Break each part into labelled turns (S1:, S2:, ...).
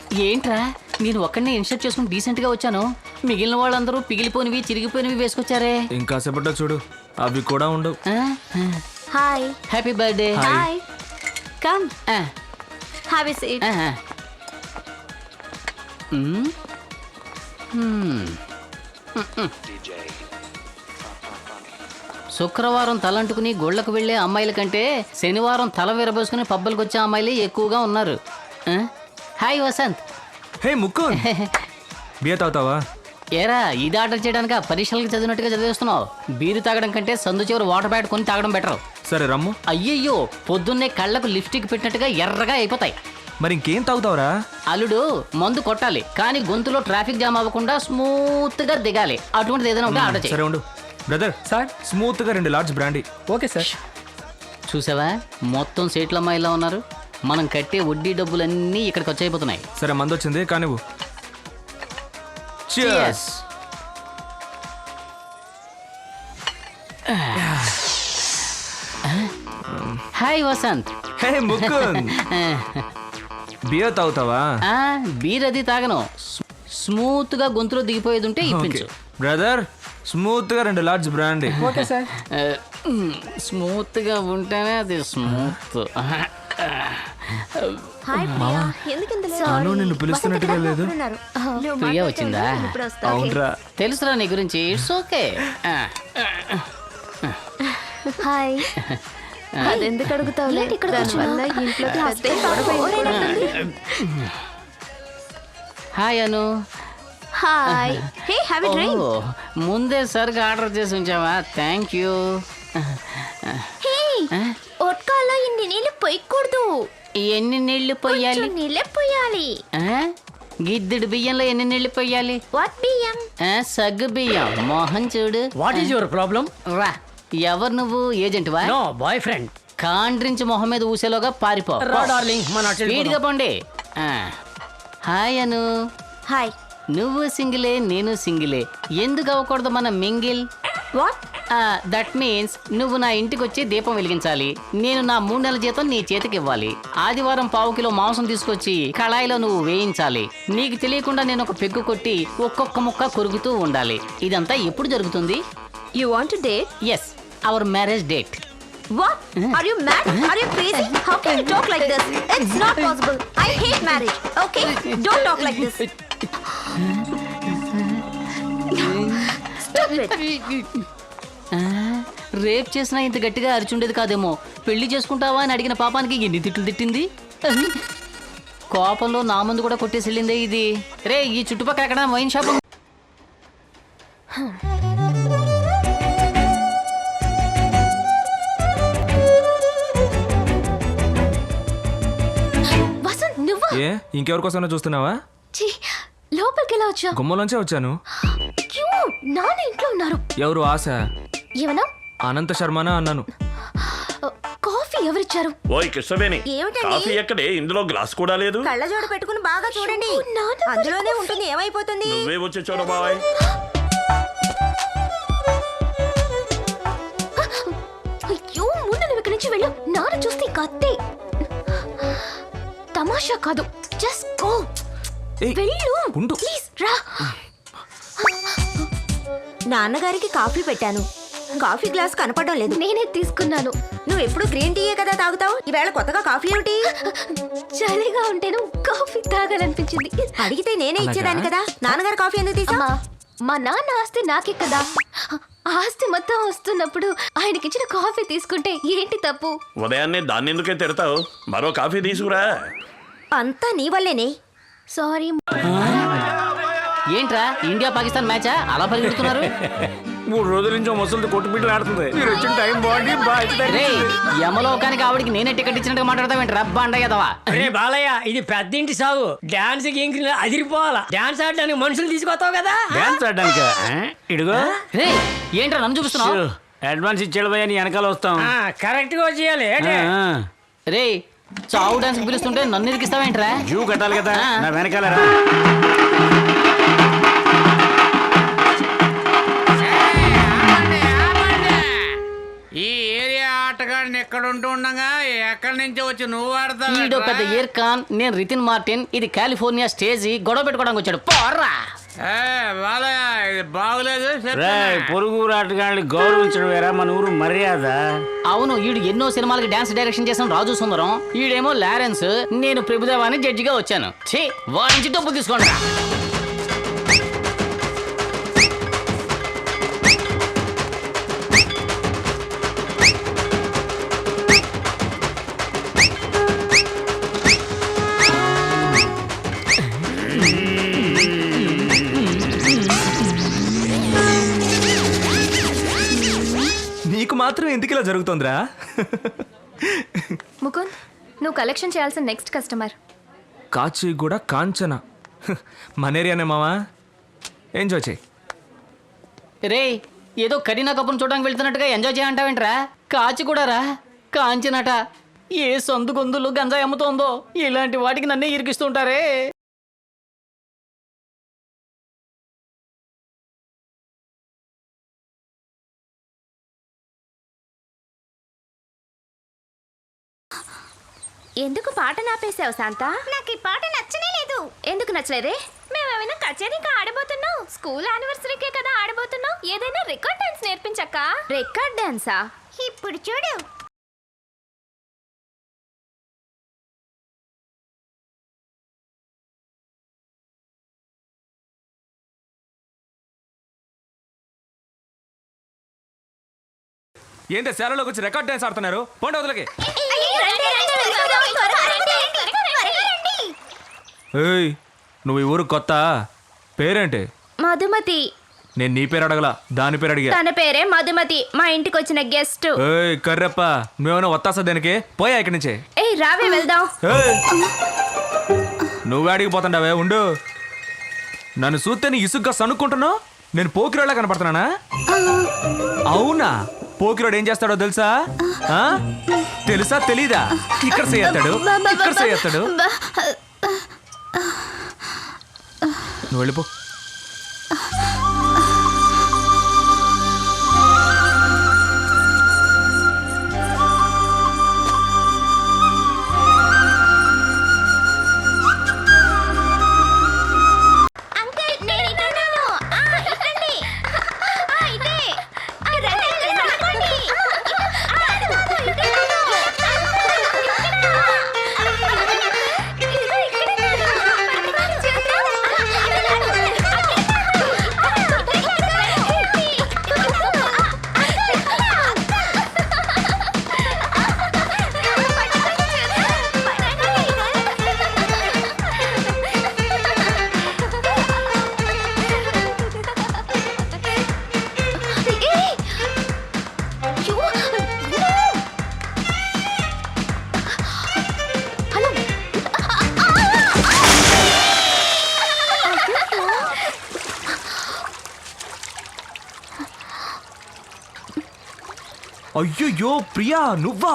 S1: ఏంట్రా నేను ఒక్కడిని ఇన్షర్ట్ చేసుకుని డీసెంట్ గా వచ్చాను, మిగిలిన వాళ్ళందరూ పిగిలిపోయినవి చిరిగిపోయినవి వేసుకొచ్చారే.
S2: ఇంకా సేపట్లో చూడు అవి కూడా ఉండవు.
S3: Hi.
S1: Happy birthday.
S3: Hi. Come. Have a seat.
S1: శుక్రవారం తలంటుకుని గోళ్లకు వెళ్లే అమ్మాయిల కంటే శనివారం తల విరబోసుకుని పబ్బులకు వచ్చే అమ్మాయిలే ఎక్కువగా ఉన్నారు. హాయ్ వసంత్.
S2: హే ముక్కు బియర్ తాగుతావా?
S1: ఏరా ఇది ఆర్డర్ చేయడానికి పరీక్షలకు చదివినట్టుగా చదివేస్తున్నావు. బీరు తాగడం కంటే సందు చివరి వాటర్ బ్యాట్ కొని తాగడం బెటర్.
S2: సరే రమ్ము.
S1: అయ్యయ్యో పొద్దున్నే కళ్ళకు లిప్స్టిక్ పెట్టినట్టుగా ఎర్రగా అయిపోతాయి.
S2: మరి ఇంకేం తాగుతావురా?
S1: అల్లుడు మందు కొట్టాలి కానీ గొంతులో ట్రాఫిక్ జామ్ అవ్వకుండా స్మూత్ గా దిగాలి. అటువంటిది ఏదైనా ఉంటే ఆర్డర్ చేయి.
S2: సరే ఉండు బ్రదర్. సార్ స్మూత్ గా 2 లార్జ్ బ్రాండీ.
S4: Okay sir.
S1: చూసావా మొత్తం సీట్ల అమ్మాయిలా ఉన్నారు. మనం కట్టే వడ్డీ డబ్బులన్నీ ఇక్కడికి వచ్చైపోతున్నాయి.
S2: సరే మందు వచ్చింది కానీ నువ్వు.
S1: Cheers. హాయ్ వసంత్.
S2: హే ముక్కు బియర్ తాగుతావా?
S1: బీర్ అది తాగను. స్మూత్ గా గొంతులో దిగిపోయేది ఉంటే ఇప్పించు.
S2: బ్రదర్ స్మూత్ గా 2 large brandy.
S4: Okay sir.
S1: Smooth గా ఉంటేనే అది స్మూత్.
S3: హాయ్ ప్రియా. ఎందుకింత
S2: తను నిన్ను పిలుస్తున్నట్టుగా లేదు.
S1: ప్రియా వచ్చిందా?
S2: అవునరా
S1: తెలుసురా నీ గురించి. It's okay.
S3: హాయ్. అదెందుకు అడుగుతావులే, దానివల్ల ఇంట్లో
S1: hi Anu.
S3: Hi. Hey have a drink.
S1: ముందే సరిగా ఆర్డర్ చేసి ఉంచావా? Thank you.
S3: హే ఒట్కాలో ఇన్ని నీళ్ళు పోయకూడదు.
S1: ఎన్ని నీళ్లు పోయాలి?
S3: నీళ్ళే పోయాలి.
S1: గిద్దెడు బియ్యంలో ఎన్ని నీళ్లు పోయాలి?
S3: వాట్ బియ్యం?
S1: సగ్గు బియ్యం. మోహన్ చూడు.
S4: What is your problem?
S1: రా. ఎవరు నువ్వు? ఏజెంట్ వా?
S4: No boy friend.
S1: కాండ్రించి మొహం మీద ఊసేలోగా పారిపో.
S4: రా డార్లింగ్ మన
S1: స్పీడ్ గా పోండి. హాయ్ అను.
S3: హాయ్.
S1: నువ్వు సింగిలే నేను సింగిలే, ఎందుకు అవ్వకూడదు మన మింగిల్?
S3: వాట్?
S1: దట్ మీన్స్ నువ్వు నా ఇంటికి వచ్చి దీపం వెలిగించాలి, నేను నా 3 నెలల జీతం నీ చేతికి ఇవ్వాలి, ఆదివారం 1/4 కిలో మాంసం తీసుకొచ్చి కళాయిలో నువ్వు వేయించాలి, నీకు తెలియకుండా నేను ఒక పెగ్గు కొట్టి ఒక్కొక్క ముక్క కొరుకుతూ ఉండాలి. ఇదంతా ఎప్పుడు జరుగుతుంది?
S3: You want to date?
S1: Yes, our marriage date.
S3: What? Are you mad? Are you crazy? How can you talk like this? It's not possible. I hate marriage. Okay? Don't talk like this. Stop it.
S1: Rape చేసినా ఇంత గట్టిగా అరిచుండేది కాదేమో. పెళ్లి చేసుకుంటావా అని అడిగిన పాపానికి ఎన్ని తిట్లు తిట్టింది. కోపంలో నా ముందు కూడా కొట్టేసి వెళ్ళిందే ఇది. రే ఈ చుట్టుపక్కల ఎక్కడ వైన్ షాప్?
S3: వసంత్ నువ్వా?
S2: ఏ ఇంకెవరికోసమైనా చూస్తున్నావా?
S3: లోపలికి ఎలా వచ్చావు?
S2: గుమ్మలోంచే వచ్చాను.
S3: నాన్న ఇంట్లో ఉన్నారు.
S2: ఎవరు? ఆశ.
S3: ఏమన్నా?
S2: అనంత శర్మనా అన్నాను.
S3: కాఫీ ఎవరిచ్చారు?
S5: ఓయ్ కృష్ణవేణి, కాఫీ ఎక్కడే? ఇందులో గ్లాస్ కూడా లేదు.
S3: కళ్ళజోడు పెట్టుకుని బాగా చూడండి, అందులోనే ఉంటుంది. ఏమైపోతుంది?
S5: నువ్వే వచ్చి చూడ బాయ్.
S3: అయ్యో ముందు నువ్వు ఇక్కడి నుంచి వెళ్ళు. నాన్న చూస్తే కత్తి. తమాషా కాదు, జస్ట్ గో. వెళ్ళు ప్లీజ్ రా. నాన్నగారికి కాఫీ పెట్టాను, కాఫీ గ్లాస్ కనపడడం లేదు. నేనే తీసుకున్నాను. నువ్వు ఎప్పుడు గ్రీన్ టీయే కదా తాగుతావు, ఈవేళ కొత్తగా కాఫీ ఏమిటి? చలిగా ఉంటేను కాఫీ తాగాలనిపించింది. అడిగితే నేనే ఇచ్చేదాన్ని కదా. నాన్నగారు కాఫీ ఎందుకు తీసా? మా నాన్న ఆస్తి నాకే కదా. ఆస్తి మొత్తం వస్తున్నప్పుడు ఆయనకిచ్చిన కాఫీ తీసుకుంటే ఏంటి తప్పు?
S5: ఉదయాన్నే దాన్ని ఎందుకే తిడతావు? మరో కాఫీ తీసుకురా.
S3: అంతా నీ వల్లేనే. సారీ.
S1: ఏంట్రా ఇండియా పాకిస్తాన్ మ్యాచా అలా పరిగెడుతున్నారు?
S5: 3 రోజుల నుంచి ముసలిది కొట్టుబిడ్డలు ఆడుతుంది. మీరు వచ్చిన టైం బాగుంది.
S1: రే యమలోకానికి ఆవిడికి నేనే టికెట్ ఇచ్చినట్టుగా మాట్లాడతావేంటి? రబ్బా అండయ్యదవా.
S4: అరే బాలయ్య, ఇది పెద్దింటి సాగు. డాన్స్ కి అదిరిపోవాలా. డాన్స్ ఆడడానికి మనుషులు తీసుకొస్తావు కదా.
S6: డాన్స్ ఆడడానికి ఇడుగో.
S1: రే ఏంట్రా నన్ను చూపిస్తున్నావు?
S6: అడ్వాన్స్ ఇచ్చేడు పోయా, నీ వెనకాల వస్తాం.
S4: కరెక్ట్ గా చేయాలి.
S1: రే చావు డాన్స్ పిలుస్తుంటే నన్ను ఇరికిస్తావేంట్రా?
S6: జూ కట్టాలి కదా, నా వెనకాల రా.
S7: ఈ ఏరియా ఆటగాడిని
S5: ఎక్కడ ఉంటూ ఉండగా ఎక్కడి నుంచి వచ్చి నువ్వు
S1: ఈడో పెద్ద
S5: ఆడతావు
S1: ఇర్కాన్, నేను రితిన్ మార్టిన్, ఇది కాలిఫోర్నియా స్టేజీ, గొడవ పెట్టుకోవడానికి వచ్చాడు. పోర్రా
S5: బాలయ్య ఇది బాగులేదు
S6: రే పొరుగు ఆటగాళ్ళని గౌరవించడం వేరా మన ఊరు మర్యాద.
S1: అవును, ఈడు ఎన్నో సినిమాలకి డాన్స్ డైరెక్షన్ చేసిన రాజు సుందరం, ఈడేమో లారెన్స్, నేను ప్రభుదేవాని జడ్జిగా వచ్చాను. ఛీ, వాడి నుంచి డబ్బులు తీసుకోండి.
S2: నీకు మాత్రం ఎందుకు ఇలా జరుగుతుందిరా?
S3: ముకుంద్, నువ్వు కలెక్షన్ చేయాల్సిన నెక్స్ట్ కస్టమర్.
S2: కాచిగూడ కాంచన. మన ఏరియానే మావా, ఎంజాయ్ చేయి.
S1: రే, ఏదో కరీనా కపూర్ చూడడానికి వెళ్తున్నట్టుగా ఎంజాయ్ చేయంటావేంట్రా? కాచి కూడా రా, కాంచినట. ఏ సందు గొంతులు గంజాయి అమ్ముతోందో, ఇలాంటి వాటికి నన్నే ఇరికిస్తుంటారే.
S3: ఎందుకు పాట నాపేసావు శాంత? నాకు ఈ పాట నచ్చనే లేదు. ఎందుకు నచ్చలేదే? మేమేమైనా కచేరీగా ఆడబోతున్నాం? స్కూల్ యానివర్సరీకే కదా ఆడబోతున్నాం. ఏదైనా రికార్డ్ డాన్స్ నేర్పించక్క. రికార్డ్ డాన్సా? ఇప్పుడు చూడు.
S2: ఏంటి శాలలోకి వచ్చి రికార్డ్ డాన్స్ ఆడుతున్నారు? పోండి వదలకి. ఏయ్, నువ్వు ఈ ఊరు కొత్త? పేరేంటి?
S3: మధుమతి.
S2: నేను నీ పేరు అడగలా, దాని పేరు అడిగా.
S3: తన పేరే మధుమతి, మా ఇంటికి వచ్చిన గెస్ట్.
S2: ఏయ్ కర్రప్ప, నువ్వేమైనా వత్తాసా దేనికి? పోయా ఇక్కడి నుంచి.
S3: ఏయ్ రావే వెళ్దాం.
S2: ఏయ్, నువ్వే అడిగిపోతుండవే, ఉండు. నన్ను చూస్తే నీ ఇసుగ్గా సనుక్కుంటున్నావు. నేను పోకిరోళ్ళ కనపడుతున్నానా? అవునా? పోకిరోడు ఏం చేస్తాడో తెలుసా? ఆ? తెలుసా తెలీదా? ఇక్కడ చేస్తాడు, ఇక్కడ చేస్తాడు. నువ్వు వెళ్ళిపో. అయ్యో ప్రియా, నువ్వా?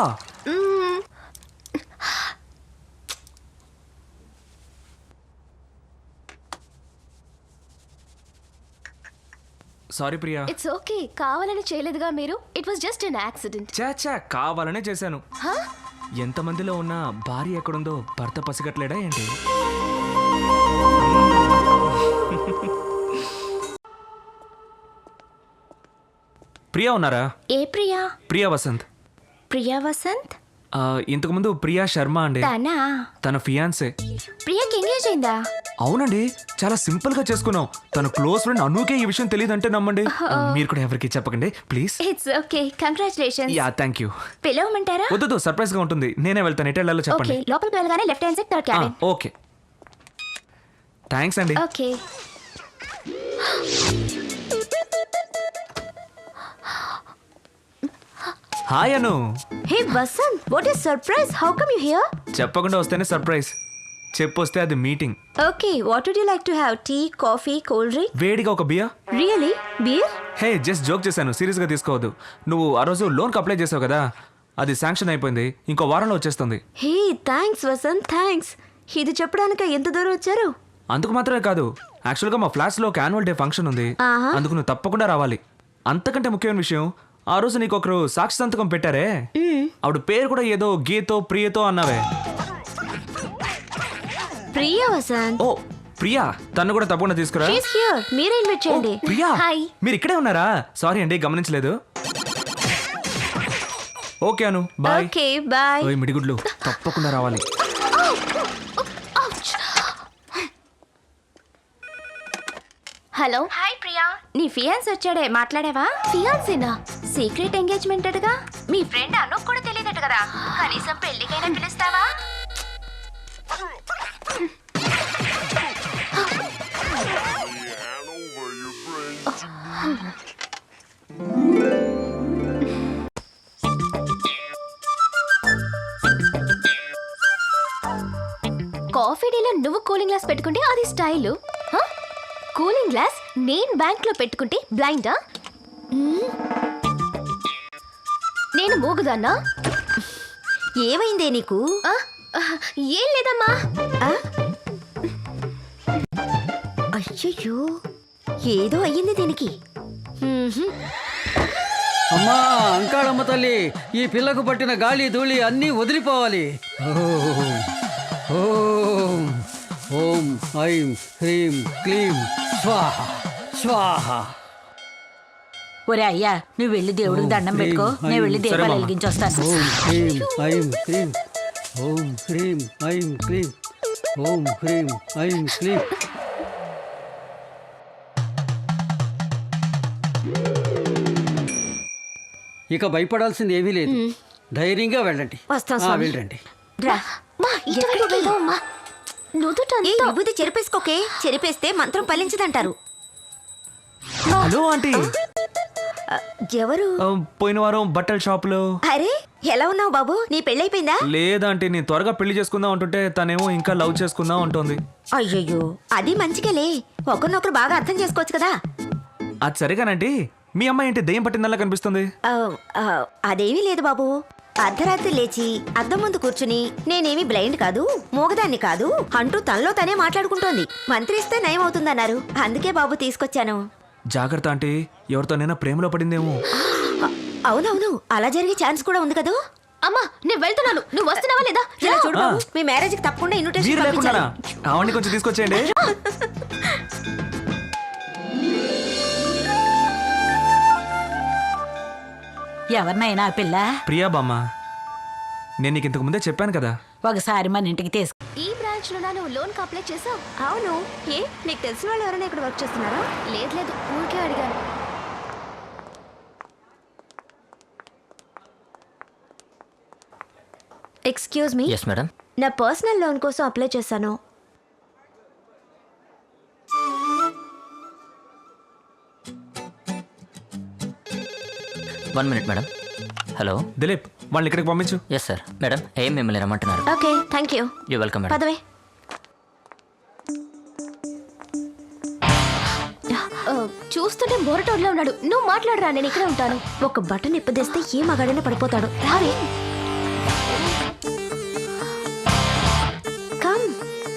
S2: సారీ ప్రియా.
S3: It's okay. కావాలని చేయలేదుగా మీరు. It was just an accident.
S2: చాచా, కావాలనే చేశాను. ఎంతమందిలో ఉన్న భార్య ఎక్కడుందో భర్త పసిగట్లేడా ఏంటి? ప్రియా ఉన్నారా?
S3: ఏ ప్రియా?
S2: ప్రియా వసంత్.
S3: ప్రియా వసంత్?
S2: ఇంతకుముందు ప్రియా శర్మ అండి,
S3: తనా?
S2: తన ఫియాన్సే.
S3: ప్రియాకి ఎంగేజ్ అయిందా?
S2: అవునండి, చాలా సింపుల్ గా చేసుకున్నాం. తన క్లోజ్ ఫ్రెండ్ అనుకే ఈ విషయం తెలియదంటే నమ్మండి. మీరు కూడా ఎవరికి చెప్పకండి please.
S3: It's okay. Congratulations.
S2: Ya thank you.
S3: పిలవమంటారా?
S2: వద్దు, సర్ప్రైజ్ గా ఉంటుంది. నేనే వెళ్తాను. ఎటు వెళ్ళాలో
S3: ఓకే,
S2: చెప్పండి.
S3: లోపలికి వెళ్ళగానే left hand side third cabin.
S2: Okay, thanks అండి.
S3: Okay.
S2: Hi Anu.
S3: Hey Vasanth, what is surprise? How come you here?
S2: చెప్పకుండా వస్తేనే సర్ప్రైజ్, చెప్పొస్తే అది meeting.
S3: Okay, what would you like to have? Tea, coffee, cold drink?
S2: వేడిగా ఒక beer.
S3: Really? Beer?
S2: Hey, just joke చేశాను, serious గా తీసుకోవద్దు. నువ్వు ఆ రోజు లోన్కి అప్లై చేసావు కదా, అది శాంక్షన్ అయిపోయింది, ఇంకో వారంలో వచ్చేస్తుంది.
S3: Hey thanks Vasanth, thanks. ఇది చెప్పడానికి ఎంత దూరం వచ్చారు?
S2: అందుకు మాత్రమే కాదు, యాక్చువల్గా మా ఫ్లాట్స్లో ఒక యాన్యువల్ డే ఫంక్షన్ ఉంది.
S3: ఆహా.
S2: అందుకు నువ్వు తప్పకుండా రావాలి. అంతకంటే ముఖ్యమైన విషయం, ఆ రోజు నీకు ఒకరు సాక్షి సంతకం పెట్టారే ఆవిడ పేరు కూడా ఏదో గీతో ప్రియతో అన్నావే.
S3: ప్రియా వసంత్.
S2: ఓ ప్రియా, తను కూడా తప్పకుండా తీసుకురా.
S3: She's here. మీరే ఇన్వైట్ చేయండి.
S2: ప్రియా,
S3: హాయ్.
S2: మీరు ఇక్కడే ఉన్నారా? సారీ అండి, గమనించలేదు. Okay Anu, bye.
S3: Okay bye.
S2: ఓయ్ మిడిగుడ్లు, తప్పకుండా రావాలి.
S3: హలో. హాయ్ ప్రియా. నీ ఫియాన్స్ వచ్చాడే, మాట్లాడావా? ఫియాన్సేనా? సీక్రెట్ ఎంగేజ్మెంట్ అటగా. మీ ఫ్రెండ్ అను కూడా తెలియదట కదా. కనీసం పెళ్లికైనా పిలుస్తావా? కాఫీ డేలో నువ్వు కూలింగ్ గ్లాస్ పెట్టుకుంటే అది స్టైలు. కూలింగ్ గ్లాస్ నేను బ్యాంక్ లో పెట్టుకుంటే బ్లైండా? నేను మూగుదాన్నా? ఏమైందే నీకు? ఏం లేదమ్మా. అయ్యయ్యో, ఏదో అయ్యింది దీనికి.
S7: అమ్మా అంకాళమ్మ తల్లి, ఈ పిల్లకు పట్టిన గాలి ధూళి అన్నీ వదిలిపోవాలి. ఓం ఓం ఐం హ్రీం క్లీం స్వాహ స్వాహ.
S8: ఒరే అయ్యా, నువ్వు వెళ్ళి దేవుడికి దండం పెట్టుకో, నేను వెళ్ళి దీపాలు వెలిగించొస్తాను.
S7: ఓం హ్రీం ఐం క్లీం, ఓం హ్రీం ఐం క్లీం, ఓం హ్రీం ఐం క్లీం. ఇక భయపడాల్సింది ఏమీ లేదు. ధైర్యంగా వెళ్ళండి.
S3: వస్తాం స్వామి.
S7: వెళ్ళండి.
S3: విభూతి చెరిపేసుకోకే. చెరిపేస్తే మంత్రం ఫలించదంటారు.
S2: Hello aunty.
S3: ఎవరు?
S2: పోయిన వారం బట్టల షాపులో.
S3: అరే ఎలా ఉన్నావు బాబు? నీ పెళ్ళైపోయిందా?
S2: లేదంటే నేను త్వరగా పెళ్లి చేసుకుందాం అంటుంటే తనేమో ఇంకా లవ్ చేసుకుందాం అంటుంది.
S3: అయ్యయ్యో, అది మంచిగాలే. ఒకరినొకరు బాగా అర్థం చేసుకోవచ్చు కదా.
S2: అది సరిగానండి. మీ అమ్మాయి ఏంటి దెయ్యం పట్టిందల్లా కనిపిస్తుంది?
S3: అదేమీ లేదు బాబు. అర్ధరాత్రి లేచి అద్దం ముందు కూర్చుని నేనేమి బ్లైండ్ కాదు, మూగదాన్ని కాదు అంటూ తనలో తనే మాట్లాడుకుంటోంది. మంత్రిస్తే నయం అవుతుందన్నారు. అందుకే బాబు తీసుకొచ్చాను.
S2: జాగ్రత్త ఆంటీ, ఎవరితోనైనా ప్రేమలో పడిందేమో.
S3: అవునవును, అలా జరిగే ఛాన్స్ కూడా ఉంది కదా. అమ్మా నేను వెళ్తున్నాను, నువ్వు వస్తున్నావా లేదా? ఇలా చూడు బాబు, మీ మ్యారేజ్ కి తప్పకుండా
S2: మీరు
S3: ఇన్విటేషన్
S2: లేకుండా
S3: పంపించాలి.
S2: ఆవిడ్ని కొంచెం తీసుకొచ్చేయండి.
S8: ఎవరినైనా ఆ పిల్ల
S2: ప్రియా బామ్మ, నేను నీకు ఇంతకు ముందే చెప్పాను కదా.
S8: ఒకసారి మన ఇంటికి తీసుకు.
S3: ఈ బ్రాంచ్ లో నువ్వు లోన్ కి అప్లై చేసావు? అవును. ఏ నీకు తెలిసిన వాళ్ళు ఎవరైనా ఇక్కడ వర్క్ చేస్తున్నారా? లేదు లేదు, ఊరికే అడిగాను. Excuse me.
S1: Yes madam.
S3: నా పర్సనల్ లోన్ కోసం అప్లై చేశాను.
S1: One minute madam. Hello
S2: Dilip, వాళ్ళని ఇక్కడికి పంపించు.
S1: Yes sir. మేడం ఏం మిమ్మల్ని రమ్మంటున్నారు?
S3: Okay thank you.
S1: You welcome madam.
S3: పదవే. చూస్తుంటే బోరటోడ్లో ఉన్నాడు. నువ్వు మాట్లాడరా, నేను ఇక్కడే ఉంటాను. ఒక బటన్ ఇప్పదేస్తే ఏ మగాడైనా పడిపోతాడు. రావే. కమ్.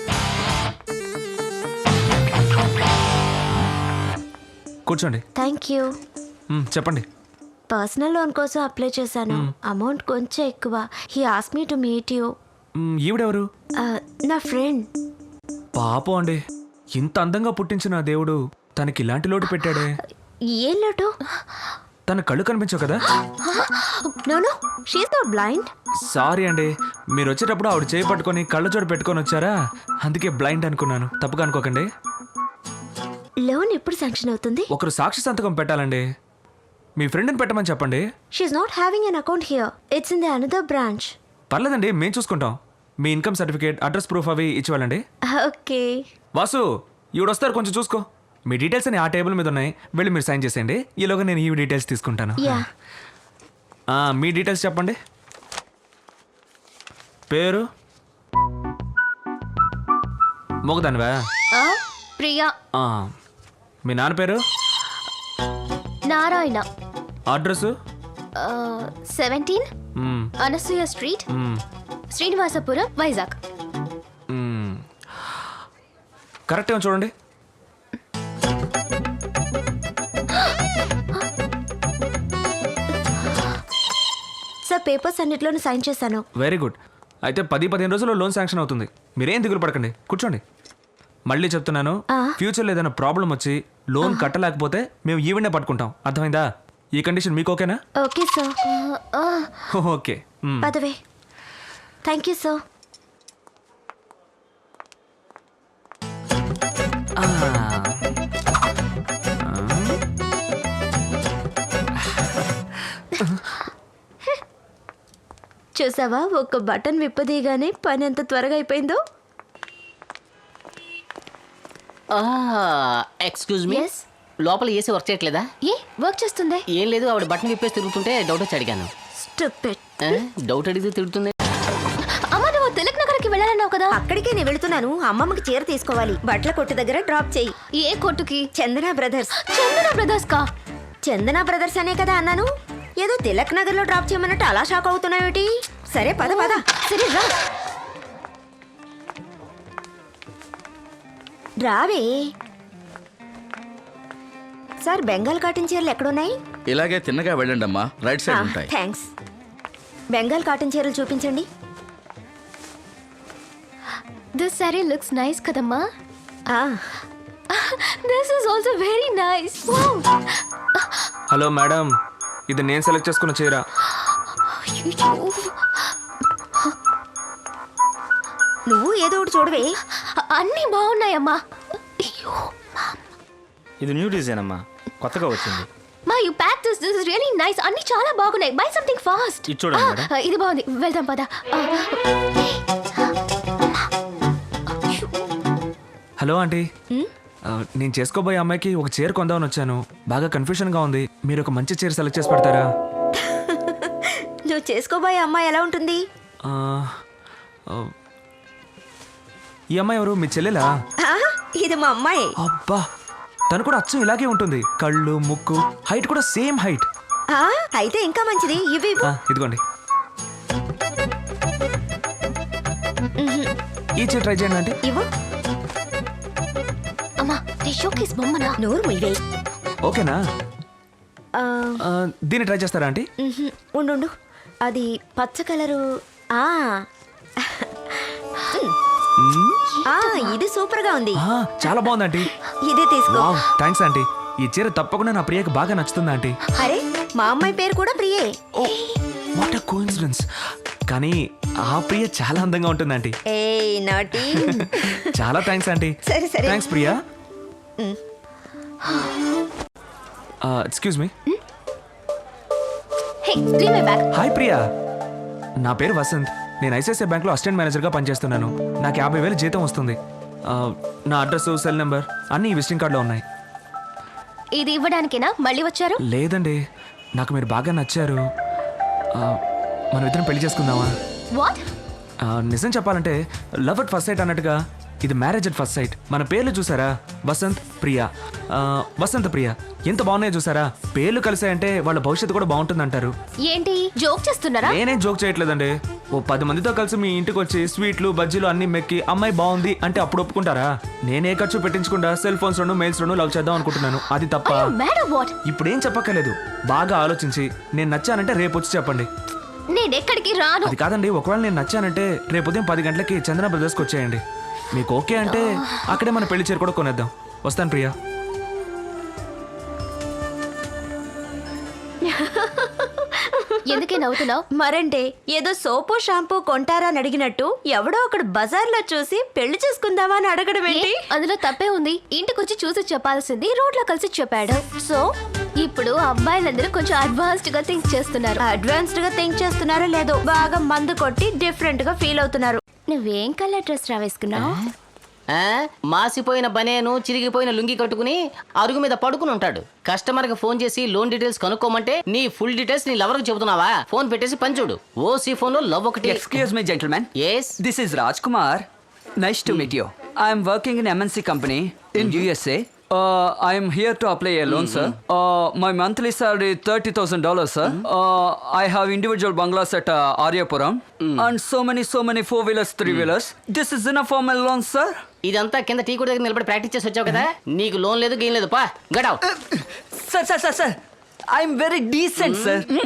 S2: కూర్చోండి.
S3: Thank you.
S2: చెప్పండి.
S3: పర్సనల్ లోన్ కోసం అప్లై చేశాను. అమౌంట్ కొంచెం ఎక్కువ. He ask me to meet you.
S2: ఈవిడెవరు?
S3: నా ఫ్రెండ్.
S2: పాపం అండి, ఇంత అందంగా పుట్టించిన దేవుడు తనకి ఇలాంటి లోటు పెట్టాడే.
S3: ఏం లోటు?
S2: తన కళ్ళు కనిపించవు కదా.
S3: No no, she is not blind.
S2: Sorry అండి, మీరు వచ్చేటప్పుడు ఆవిడ చేయి పట్టుకొని కళ్ళజోడు పెట్టుకొని వచ్చారా, అందుకే బ్లైండ్ అనుకున్నాను. తప్పుగా అనుకోకండి.
S3: లోన్ ఎప్పుడు శాంక్షన్ అవుతుంది?
S2: ఒకరు సాక్షి సంతకం పెట్టాలండి. మీ ఫ్రెండ్ని పెట్టమని చెప్పండి.
S3: She is not having an account here. It's in the another branch.
S2: పర్లేదండి, మేము చూసుకుంటాం. మీ ఇన్కమ్ సర్టిఫికేట్, అడ్రస్ ప్రూఫ్ అవి ఇచ్చి వెళ్ళండి.
S3: ఓకే.
S2: వాసు, ఈవిడ వస్తారు, కొంచెం చూసుకో. మీ డీటెయిల్స్ అని ఆ టేబుల్ మీద ఉన్నాయి, వెళ్ళి మీరు సైన్ చేసేయండి. ఈలోగా నేను ఈ డీటెయిల్స్ తీసుకుంటాను.
S3: యా.
S2: మీ డీటెయిల్స్ చెప్పండి. పేరు? మోగదానివా?
S3: ప్రియా.
S2: మీ నాన్న పేరు?
S3: Narayana.
S2: Address?
S3: 17 Anasuya street, Srinivasapuram, Vizag.
S2: Correct ఏమో చూడండి.
S3: పేపర్స్ అన్నిట్లోనూ సైన్ చేశాను.
S2: Very good. అయితే 10-15 రోజుల్లో లోన్ శాంక్షన్ అవుతుంది. మీరేం దిగులు పడకండి, కూర్చోండి. మళ్ళీ చెప్తున్నాను, ఫ్యూచర్లో ఏదైనా ప్రాబ్లం వచ్చి లోన్ కట్టలేకపోతే మేము ఈవెంటే పట్టుకుంటాం. అర్థమైందా? ఈ కండిషన్ మీకు ఓకేనా?
S3: Okay sir.
S2: ఓకే.
S3: పదవే. Thank you sir. చూసావా, ఒక్క బటన్ విప్పదీయగానే పని ఎంత త్వరగా అయిపోయిందో.
S1: Excuse me,
S3: Yes?
S1: లోపల ఏసీ వర్క్ చేయట్లేదా?
S3: ఏ వర్క్ చేస్తుంది?
S1: ఏం లేదు, ఆవిడ బట్టన్ విప్పేసి తిరుగుతుంటే డౌట్ వచ్చి అడిగాను.
S3: Stupid.
S1: డౌట్ అడిగితే తిడుతుంది.
S3: అమ్మ, నువ్వు తిలక్ నగర్కి వెళ్ళాలన్నావు కదా. అక్కడికే నేను వెళుతున్నాను. అమ్మమ్మకి చీర తీసుకోవాలి. బట్టల కొట్టు దగ్గర డ్రాప్ చేయి. ఏ కొట్టుకి? చందన బ్రదర్స్. చందన బ్రదర్స్ కా? చందన బ్రదర్స్ అనే కదా అన్నాను. ఏదో తిలక్ నగర్ లో డ్రాప్ చేయమన్నట్టు అలా షాక్ అవుతున్నావేటి? సరే పద పద. సరే రా. రావే. సార్, బెంగాల్ కాటన్ చీరలు ఎక్కడున్నాయి?
S9: ఇలాగే తిన్నగా వెళ్ళండి అమ్మా, రైట్ సైడ్ ఉంటాయి.
S3: థ్యాంక్స్. బెంగాల్ కాటన్ చీరలు చూపించండి.
S10: దిస్ సారీ లుక్స్ నైస్ కదమ్మా.
S3: This is also very nice.
S2: Hello madam, ఇది నేను సెలెక్ట్ చేసుకున్న చీర.
S3: నువ్వు ఏదో ఒకటి చూడవే.
S10: అన్నీ బాగున్నాయమ్మా.
S5: ఇది న్యూ డిజైన్ అమ్మా, కొత్తగా వచ్చింది.
S10: మా you pack this is really nice. అన్నీ చాలా బాగున్నాయి. Buy something fast.
S5: ఇది చూడండి మేడం.
S10: ఇది బాగుంది, వెళ్దాం పద.
S2: హలో ఆంటీ, నేను చేసుకోబోయే అమ్మాయికి ఒక చీర కొందామని వచ్చాను. బాగా కన్ఫ్యూషన్గా ఉంది. మీరు ఒక మంచి చీర సెలెక్ట్ చేసి పెడతారా?
S3: నువ్వు చేసుకోబోయే అమ్మాయి ఎలా ఉంటుంది?
S2: ఆ, ఈ అమ్మాయి ఎవరు? మీ చెల్లెలా?
S3: ఇది మా అమ్మాయి.
S2: అబ్బా, తను కూడా అచ్చం ఇలాగే ఉంటుంది. కళ్ళు, ముక్కు, హైట్ కూడా సేమ్ హైట్.
S3: అయితే ఇంకా మంచిది. ఇవి
S2: ఇదిగోండి, ఈ చీర ట్రై చేయండి ఆంటీ.
S3: ఇవ్వు.
S10: అమ్మా, నీ షోకేస్ బొమ్మనా?
S3: నోరు ముయ్యే.
S2: ఓకేనా? దీన్ని ట్రై చేస్తారా ఆంటీ?
S3: ఉండు, అది పచ్చ కలరు. ఇది సూపర్ గా ఉంది.
S2: చాలా బాగుంది ఆంటీ.
S3: ఇదే తీసుకో.
S2: Thanks aunty. ఈ చీర తప్పకుండా నా ప్రియకి బాగా నచ్చుతుంది ఆంటీ.
S3: అరే, మా అమ్మాయి పేరు కూడా ప్రియే.
S2: What a coincidence. కానీ ఆ ప్రియ చాలా అందంగా ఉంటుంది ఆంటీ.
S3: ఏయ్ నాటి.
S2: చాలా థ్యాంక్స్ ఆంటీ.
S3: సరే సరే.
S2: Thanks Priya. Excuse me.
S10: Hey, give me back.
S2: Hi Priya, నా పేరు వసంత్. నేను ఐసిఐసిఐ బ్యాంక్లో అసిస్టెంట్ మేనేజర్గా పనిచేస్తున్నాను. నాకు 50,000 జీతం వస్తుంది. నా అడ్రస్, సెల్ నెంబర్ అన్నీ ఈ విజిటింగ్ కార్డులో ఉన్నాయి.
S10: ఇది ఇవ్వడానికేనా మళ్ళీ వచ్చారు?
S2: లేదండి, నాకు మీరు బాగా నచ్చారు. మనం ఇద్దరం పెళ్లి చేసుకుందామా?
S10: వాట్?
S2: నిజం చెప్పాలంటే లవ్ అట్ ఫస్ట్ సైట్ అన్నట్టుగా ఇది మ్యారేజ్ అట్ ఫస్ట్ సైట్. మన పేర్లు చూసారా? వసంత్, ప్రియా. వసంత్, ప్రియా ఎంత బాగున్నాయో చూసారా? పేర్లు కలిసాయంటే వాళ్ళ భవిష్యత్తు కూడా బాగుంటుంది అంటారు.
S10: ఏంటి జోక్ చేస్తున్నారా?
S2: నేనేం జోక్ చేయట్లేదండి. ఓ 10 మందితో కలిసి మీ ఇంటికి వచ్చి స్వీట్లు, బజ్జీలు అన్ని మెక్కి అమ్మాయి బాగుంది అంటే అప్పుడు ఒప్పుకుంటారా? నేనే ఖర్చు పెట్టించకుండా సెల్ ఫోన్స్ లోను, మెయిల్స్ లోను లవ్ చేద్దాం అనుకుంటున్నాను. అది తప్ప? ఇప్పుడు ఏం చెప్పక్కర్లేదు. బాగా ఆలోచించి నేను నచ్చానంటే రేపు వచ్చి చెప్పండి.
S10: నేను ఎక్కడికి రాను.
S2: అది కాదండి, ఒకవేళ నేను నచ్చానంటే రేపు ఉదయం 10 గంటలకి చందన బ్రదర్స్కి వచ్చేయండి. మీకు ఓకే అంటే అక్కడే మన పెళ్లి చీర కూడా కొనేద్దాం. వస్తాను ప్రియా.
S10: ఎందుకే నవ్వుతున్నావు?
S3: మరంటే ఏదో సోపు షాంపూ కొంటారా అని అడిగినట్టు ఎవడో ఒకడు బజార్లో చూసి పెళ్లి చేసుకుందామా అని అడగడం ఏంటి?
S10: అందులో తప్పే ఉంది. ఇంటికొచ్చి చూసి చెప్పాల్సింది రోడ్లో కలిసి చెప్పాడు. సో ఇప్పుడు అబ్బాయిలందరూ కొంచెం అడ్వాన్స్డ్ గా థింక్ చేస్తున్నారు.
S3: అడ్వాన్స్డ్ గా థింక్ చేస్తున్నారో లేదో, బాగా మందు కొట్టి డిఫరెంట్ గా ఫీల్ అవుతున్నారు.
S10: నువ్వేం కలర్ డ్రెస్ రా వేసుకున్నావు?
S1: మాసిపోయిన బనేను, చిరిగిపోయిన లుంగి కట్టుకుని అరుగు మీద పడుకుని ఉంటాడు. కస్టమర్ కి ఫోన్ చేసి లోన్ డీటెయిల్స్ కనుక్కోమంటే నీ ఫుల్ డీటెయిల్స్ నీ లవర్ కి చెబుతున్నావా? ఫోన్ పెట్టేసి పని చూడు. ఓసీ ఫోన్ లో లవ్ ఒకటి.
S11: Excuse me, gentlemen.
S1: Yes.
S11: This is Rajkumar. Nice to meet you. I am working in MNC company in USA. I am here to apply a loan, sir. My monthly salary $30,000, sir. I have individual bungalows at Aryapuram and so many 4-wheelers, 3-wheelers. This is enough for my loan, sir.
S1: ఇదంతా కింద tea కూడా దగ్గర నిలబడి practice చేసి వచ్చావు కదా. నీకు loan లేదు, గేమ్ లేదు. పా గడావ్.
S11: Sir. I am very decent, sir.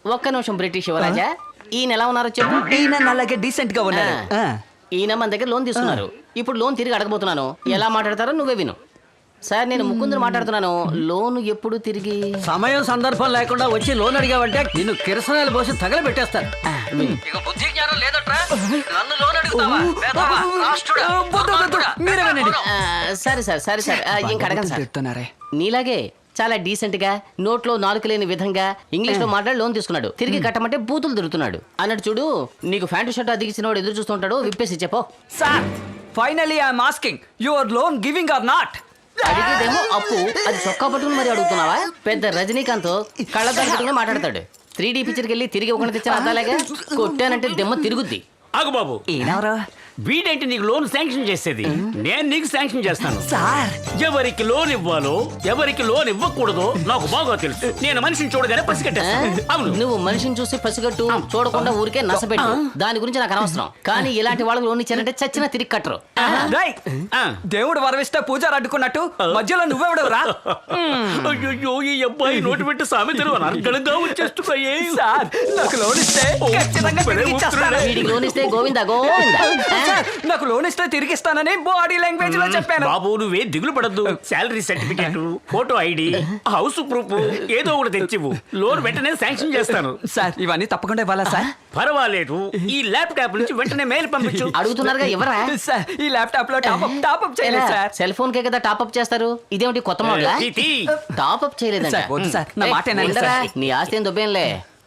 S1: ఒక్క నిమిషం బ్రిటిష్ యువరాజా ఈయన ఎలా ఉన్నారో చెప్పు.
S11: ఈయన అలాగే డీసెంట్ గా ఉన్నారు.
S1: ఈయన మన దగ్గర లోన్ తీసుకున్నారు. ఇప్పుడు లోన్ తిరిగి అడగబోతున్నాను. ఎలా మాట్లాడతారో నువ్వే విను. సార్ నేను ముకుందుని మాట్లాడుతున్నాను. లోన్ ఎప్పుడు తిరిగి?
S7: సమయం సందర్భం లేకుండా వచ్చి లోన్ అడిగావంటే నిన్ను కిరసనాలు పోసి తగలబెట్టేస్తాను. ఇక బుద్ధి జ్ఞానం లేదట్రా, నన్ను లోన్ అడుగుతావా? వేధవా, రాష్ట్రుడా, దుర్మార్గుడా.
S11: మీరే వినండి.
S1: సరే సార్ సరే సార్ ఇంక అడగను సార్.
S11: చెప్తున్నారే.
S1: నీలాగే చాలా డీసెంట్ గా నోట్లో నాలుక లేని విధంగా ఇంగ్లీష్ లో మాట్లాడి లోన్ తీసుకున్నాడు. తిరిగి కట్టమంటే బూతులు దొరుకుతున్నాడు అన్నట్టు చూడు. నీకు ప్యాంటు షర్ట్ అదిగిసిన వాడు ఎదురు చూస్తుంటాడు. విప్పేసి చెప్పో.
S11: Sir finally I'm asking your loan giving or not.
S1: అడిగేదేమో అప్పు, అది చొక్కా పట్టుకుని మరి అడుగుతున్నావా? పెద్ద రజనీకాంత్ కళ్ళద్దాలు పెట్టుకుని మాట్లాడతాడు. 3D పిక్చర్కి వెళ్ళి తిరిగి ఒకటి తెచ్చిన అద్దాలేగా కొట్టానంటే దెమ్మ తిరుగుద్ది.
S6: ఆగు బాబు,
S11: ఏనవరా
S6: వీడేంటి నీకు లోన్ శాంక్షన్ చేసేది? నేను నీకు శాంక్షన్ చేస్తాను.
S11: సార్
S6: ఎవరికి లోన్ ఇవ్వాలో ఎవరికి లోన్ ఇవ్వకూడదో నాకు బాగా తెలుసు. నేను మనిషిని చూడగానే పసిగట్టేస్తాను. అవును,
S1: నువ్వు మనిషిని చూసి పసిగట్టు, చూడకుండా ఊరికే నసపెట్టు. దాని గురించి నాకు అనవసరం. కానీ ఇలాంటి వాళ్ళకి లోన్ ఇచ్చారంటే చచ్చినా తిరిగి కట్టరు.
S11: రేయ్, దేవుడు వరవిస్తే పూజారు అడ్డుకున్నట్టు మధ్యలో నువ్వెవడవురా?
S6: అయ్యో, ఈ అబ్బాయి నోటి పెట్టి సామెతలు అనర్గళంగా వచ్చేస్తున్నాయి.
S11: సార్ నాకు లోన్ ఇస్తే ఖచ్చితంగా తిరిగి ఇచ్చేస్తాను.
S1: వీడికి లోన్ ఇస్తే గోవిందా గోవిందా.
S11: సార్, నాకు లోన్ ఇస్తే తిరిగి ఇస్తానని బాడీ లాంగ్వేజ్ లో చెప్పాను.
S6: బాబు నువ్వే దిగులు పడద్దు. Salary certificate, photo ID, house proof ఏదో ఒకటి తెచ్చివు. లోన్ వెంటనే శాంక్షన్ చేస్తాను.
S11: సార్ ఇవన్నీ తప్పకుండా ఇవ్వాలా సార్?
S6: పర్వాలేదు, ఈ ల్యాప్టాప్ నుంచి వెంటనే మెయిల్ పంపించు.
S1: అడుగుతున్నారుగా ఎవరా?
S11: సార్ ఈ ల్యాప్టాప్ లో టాప్అప్ చేయలేదు సార్.
S1: సెల్ ఫోన్ కే కదా టాప్అప్ చేస్తారు. ఇదేమిటి కొత్త మోడలా?
S6: తీతి.
S1: టాప్అప్ చేయలేదంట.
S11: సార్, వద్దు సార్, నా మాట వినండి
S1: ఉండరా?
S11: సార్.
S1: నీ ఆస్తి ఏం దొబ్బేంలే.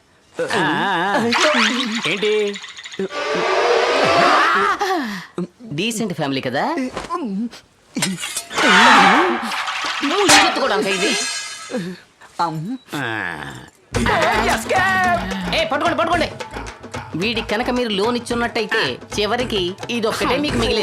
S6: ఏంటి
S1: డీసెంట్ ఫ్యామిలీ కదా. ఎత్తుకోవడానికి ఇది. పట్టుకోండి పట్టుకోండి. వీడికి కనుక మీరు లోన్ ఇచ్చున్నట్టయితే చివరికి ఇదొక్కటే మీకు మిగిలేదు.